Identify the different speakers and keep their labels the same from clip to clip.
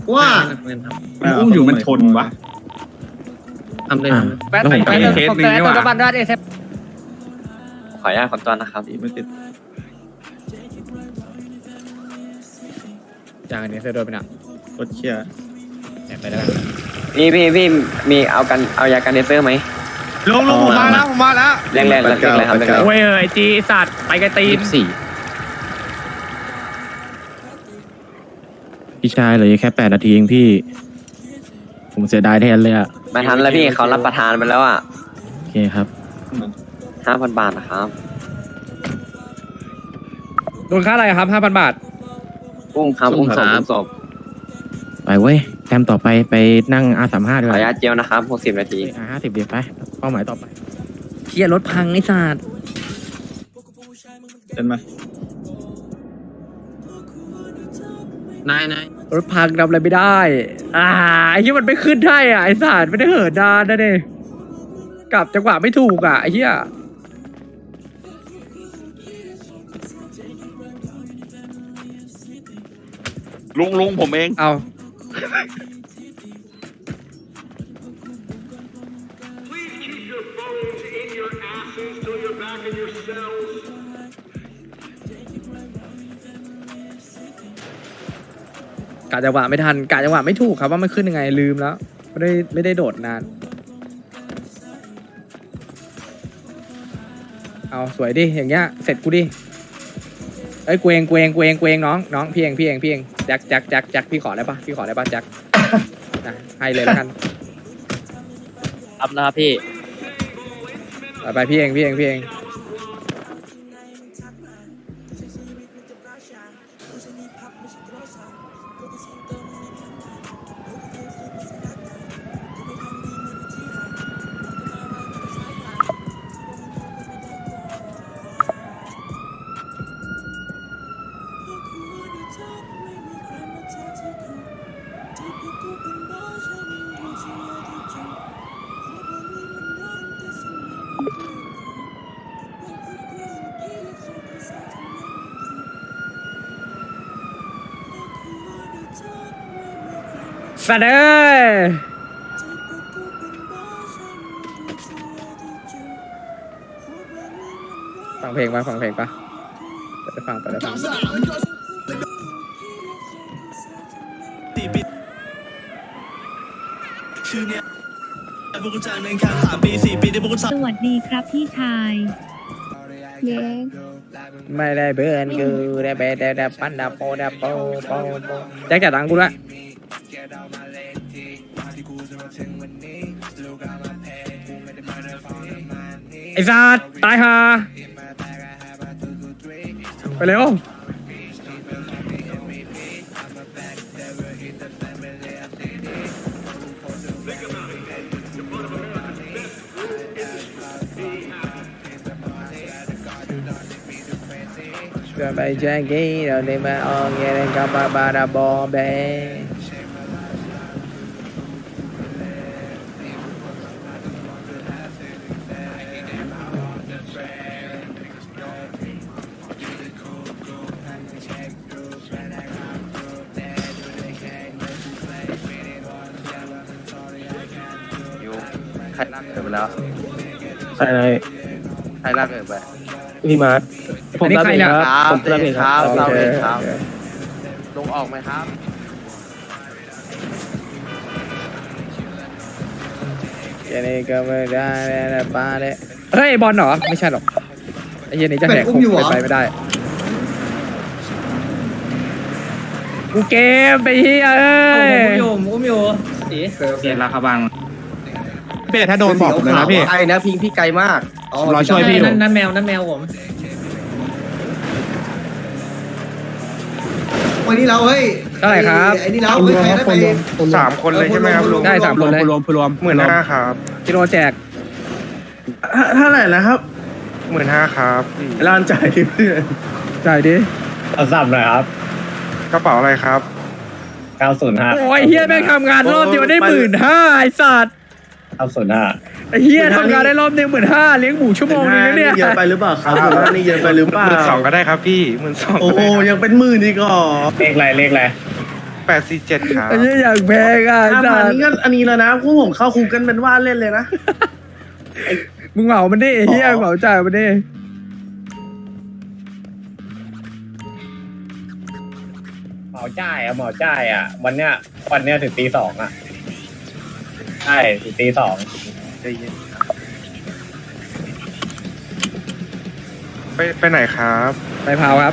Speaker 1: ว่า
Speaker 2: มันอุ้มอยู่มันชนวะ
Speaker 3: ทำเลย
Speaker 4: แป๊บไปเคสหนึ่งนี่หว่า
Speaker 3: ขออนุญาตขอตัวนะครับ
Speaker 2: มันติด
Speaker 4: อย่างนี้เธอโดนไปน่ะ
Speaker 2: รถเคลียร์
Speaker 4: แอบไปแล้ว
Speaker 3: พี่มีเอายากันเดเซอร์ไหม
Speaker 5: ลุงผมมาแล้ว
Speaker 3: แรงเลยครับแรงเลย
Speaker 4: โอ้ยไอจีสัตว์ไปไกลตีน
Speaker 6: พี่ชายเหลือแค่8 นาทีเองพี่ ผมเสียดายแทนเลยอ่ะ
Speaker 3: มาทันแล้วพี่เขารับประทานไปแล้วอ่ะ
Speaker 6: โอเคครับ
Speaker 3: 5,000 บาทนะครับ
Speaker 4: โดนค่าอะไรครับ 5,000 บาท
Speaker 3: อุ้มครับอุ้มศพ
Speaker 6: ไปเว้ยแต้มต่อไปนั่ง R35 ดี
Speaker 3: ข
Speaker 6: ก
Speaker 3: ออ
Speaker 6: ว่า
Speaker 3: นุญาตเจลนะครับ60 นาที
Speaker 6: R50 เดี๋ยวไปเป้าหมายต่อไป
Speaker 4: เฮียรถพังไอ้สัตว์
Speaker 2: เดินมาน
Speaker 3: าย
Speaker 4: รถพังทำอะไรไม่ได้ไอ้เฮียมันไม่ขึ้นได้อ่ะไอ้สัตว์ไม่ได้เหินนานนะเด้กลับจังหวะไม่ถูกอ่ะไอ้เฮีย
Speaker 5: ลุงผมเอง
Speaker 4: เอากะจังหวะไม่ทันกะจังหวะไม่ถูกครับว่ามันขึ้นยังไงลืมแล้วไม่ได้โดดนานเอาสวยดิอย่างเงี้ยเสร็จกูดิเอ้ยเกวงน้องพี่เองแจ็คพี่ขอได้ปะแจ็คนะให้เลยแล้วกัน
Speaker 3: รับแล้วครับพี่
Speaker 4: ไปพี่เอง สัตว์เอ้ยฟังเพลงปะไปได้ฟัง
Speaker 7: สวัสดีครับพี่ชาย เย้
Speaker 4: ไม่ได้เบื่อกูได้เบได้ปันดาโปแจ็คจ่ายตังค์กูละไอ้สัตว์ตายห่าไปเร็วจะไปแจ้งกี้เราได้มาออกเงี้ยกับบาราบอเบ
Speaker 3: ใครลากเกิดไปแล้ว
Speaker 6: ใช่เลย
Speaker 3: ใครลากเกิดไป
Speaker 6: พี่มาร์ทผมรับเองครับผมรับเองครับ
Speaker 3: เราเองครับลงออกไหมครับ
Speaker 4: แค่นี้ก็ไม่ได้แล้วป้าเลยเฮ้ยบอลเหรอไม่ใช่หรอกไอ้เหี้ยนี่จะแหกคุกไปไม่ได้กูเกมไปเฮียเอ้ย
Speaker 2: เสียราคาบัง
Speaker 5: เบสถ้าโดนบอกผมเลยนะพี่
Speaker 1: ไอ้นะพิงพี่ไกลมาก
Speaker 5: รอช่วยพี่อยู่
Speaker 3: นั่นแมวผม
Speaker 1: วันนี้เราเฮ้ย
Speaker 4: เท่าไหร่ครับ
Speaker 1: ไอ้นี่เราเฮ้ยใครได้ไป
Speaker 5: 3 คนเลยใช่ไหมครับลุง
Speaker 4: ได้3 คนเลย
Speaker 2: รวม
Speaker 5: 15,000ครับ
Speaker 4: กิโลแจก
Speaker 6: เท่าไหร่แล้วครับ
Speaker 5: 15,000ครับ
Speaker 6: ร้านจ่ายเพื่อน
Speaker 4: จ่ายดิ
Speaker 6: เอาสับหน่อยครับ
Speaker 5: กระเป๋าอะไรครับ
Speaker 6: 905
Speaker 4: โอ้ยเฮียแม่งทำงานรอบเดียวได้15,000ไอ้สัตว์
Speaker 6: 905
Speaker 4: ไอ้เฮียทำงานได้รอบนึง15,000เลี้ยงหมูชั่วโมงนึงนะเนี่ย
Speaker 6: เยอะไปหรือเปล่าครับนี่เยอะไปหรือเปล่า
Speaker 5: 12,000ก็ได้ครับพี่12,000
Speaker 6: โอ้โหยังเป็น10,000อีกเหรอเลขอะไร
Speaker 5: 847ครับ
Speaker 4: ไอ้เหี้ยอยากแพงอ่ะ
Speaker 1: 5,000นี่ก็อันนี้แล้วนะพวกผมเข้าคุกกันเป็นว่าเล่นเลยนะ
Speaker 4: มึงเหมามันดิไอ้เหี้ยเหมาจ่ายมันดิ
Speaker 8: หมอจ่ายอะหมอจ่ายอะวันเนี้ยถึงตี 2อะใช่ถึงตี 2
Speaker 5: ใจเย็นครับไปไหนครับ
Speaker 4: ไปพาวครับ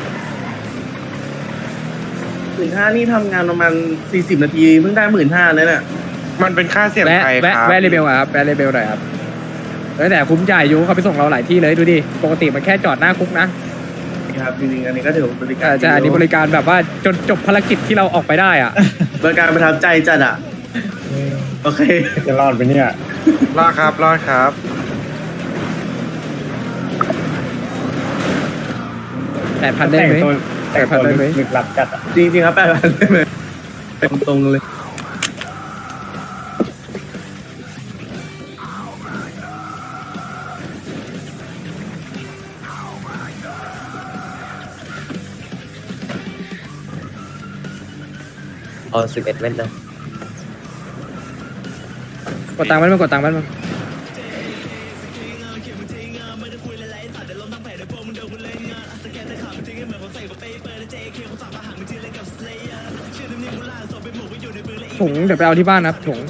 Speaker 1: 15,000นี่ทำงานประมาณ40 นาทีเพิ่งได้ 15,000เลยเนี่ย
Speaker 5: มันเป็นค่าเสี่ยง
Speaker 4: แวะ
Speaker 5: ภัย
Speaker 4: แวะ
Speaker 5: ครับ
Speaker 4: แวะเรเบลอะครับแวะเรเบลหน่อยครับแต่คุ้มจ่ายอยู่เขาไปส่งเราหลายที่เลยดูดิปกติมันแค่จอดหน้าคุกนะครับ
Speaker 1: จริงๆอันนี้ก็ถือว่าบริการ
Speaker 4: ใช่อันนี้บริการแบบว่าจนจบภารกิจที่เราออกไปได้อ่ะ
Speaker 1: บริการประทับใจจัดอ่ะโอเค
Speaker 8: จะรอดไปเนี่ย
Speaker 5: รอดครับรอดครับ
Speaker 4: 8,000ได้ไหม
Speaker 8: แต่งตัวลึกลับจัดอะ
Speaker 1: จริงๆครับ8,000ได้ไหมตรงๆเลย
Speaker 3: เอา11เม็ดนะ
Speaker 4: กดตังค์มันกดตังค์มันถุงเดี๋ยวไปเอาที่บ้านครับถุง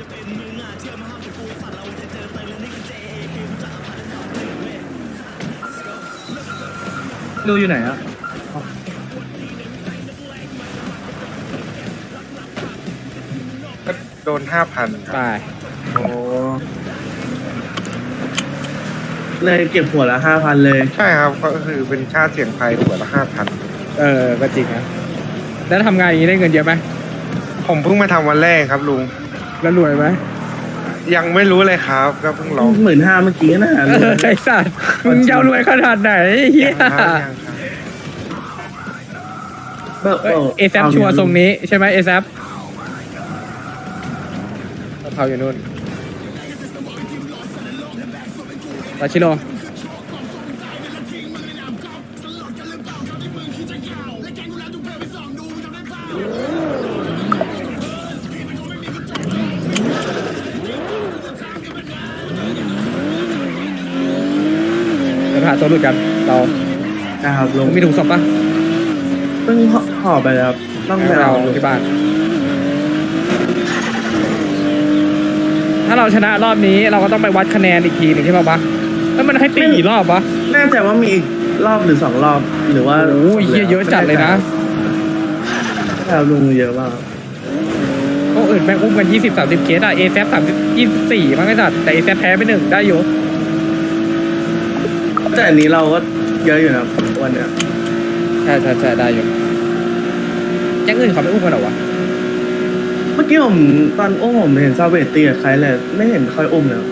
Speaker 1: ดูอยู่ไหนอ่ะ
Speaker 5: โดน 5,000 ค
Speaker 4: ไป
Speaker 5: รับ
Speaker 1: โอ้เลยเก็บหัวละ 5,000 เลย
Speaker 5: ใช่ครับก็คือเป็นค่าเสี่ยงภัยหัวละ 5,000
Speaker 4: ก็จริงนะแล้วทำงานอย่างนี้ได้เงินเยอะไหม
Speaker 5: ผมเพิ่งมาทำวันแรกครับลุง
Speaker 4: แล้วรวยไหม
Speaker 5: ยังไม่รู้เลยครับก็เพิ่งลอง
Speaker 1: 15,000เมื่อกี้นะ
Speaker 4: ไอ้สัตว์มึงจะเอารวยขนาดไหนเฮีย
Speaker 5: ยังครับยังครับ
Speaker 4: เอแซชัวร์ทรงนี้ใช่ไหมเอแซเขาอยู่นู่นตาชิโร่จะหาตัวหลุดกันเรา
Speaker 1: ครับลง
Speaker 4: มีถุงศพปะ
Speaker 1: เพิ่งห่อไปแล้วครับต้องไป
Speaker 4: เรา
Speaker 1: เอา
Speaker 4: ที่บ้าน ถ้าเราชนะรอบนี้เราก็ต้องไปวัดคะแนนอีกทีหนึ่งใช่ป่ะปะแล้วมันให้ตีกี่รอบวะ
Speaker 1: แน่ใจว่ามีอีกรอบหรือ2 รอบหรือว่า
Speaker 4: โอ้ยเยอะจัดเลยนะ
Speaker 1: ครับลุงเยอะมาก
Speaker 4: พวกอื่นแม่งอุ้มกัน20-30 เคสอะเอแซ24มั้งไอ้สัตว์แต่เอแซแพ้ไป1ได้อยู่
Speaker 1: แต่อันนี้เราก็เยอะอยู่นะวันเนี้ย
Speaker 4: ใช่ได้อยู่ยังอื่นเขาไม่อุ้มกันเหรอวะ
Speaker 1: เมื่อกี้ผมตอนอุ้มผมเห็นซาเวตตีกับใครเลยไม่เห็นค่อยอุ้มเลย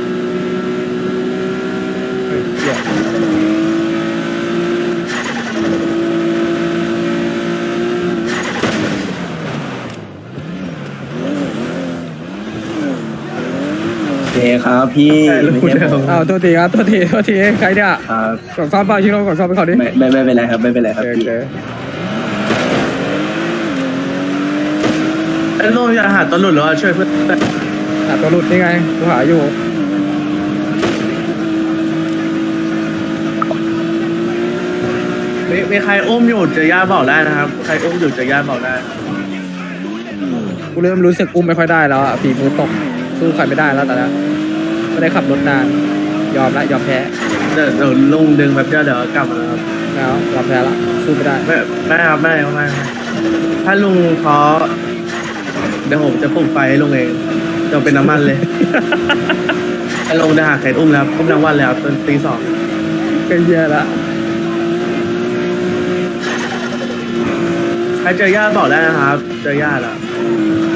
Speaker 2: โอเคครับพี่
Speaker 1: ใช่รู้เดิม
Speaker 4: อ้าวตัวทีครับตัวทีใครเนี่ย
Speaker 2: ครับ
Speaker 4: กดซ่อมเปล่าชิโร่กดซ่อมไปเขาดิ
Speaker 2: ไม่เป็นไรครับไม่เป็นไรครับ
Speaker 4: โอ
Speaker 2: พี่
Speaker 4: เค
Speaker 1: ไอ้โลจะหาตัวหลุดหรือว่าช่วยเพื่อน
Speaker 4: หาตัวหลุดนี่ไงกูหาอยู่
Speaker 1: มีใครอุ้มอยู่เจอย่าบอกได้นะครับใครอุ้มอยู่เจอย่าบอกได้
Speaker 4: กูเริ่มรู้สึกอุ้มไม่ค่อยได้แล้วอะฝีมือตกสู้ใครไม่ได้แล้วตอนนี้ไม่ได้ขับรถนานยอมแพ้
Speaker 1: เดี๋ยวลุงดึงแบบเดี๋ยวกลับมาครับ
Speaker 4: แล้วยอมแพ้ละสู้ไม่ได้
Speaker 1: ไม่ครับไม่ถ้าลุงท้อเดี๋ยวผมจะปลุกไฟให้ลุงเองจะเป็นน้ำมันเลยไอ้ลุงจะหาใครอุ้มแล้วอุ้มทั้งวันแล้วจนตี 2
Speaker 4: ก็เยอะละ
Speaker 1: ใครเจอย่าบอกได้นะครับเจอย่าแล้ว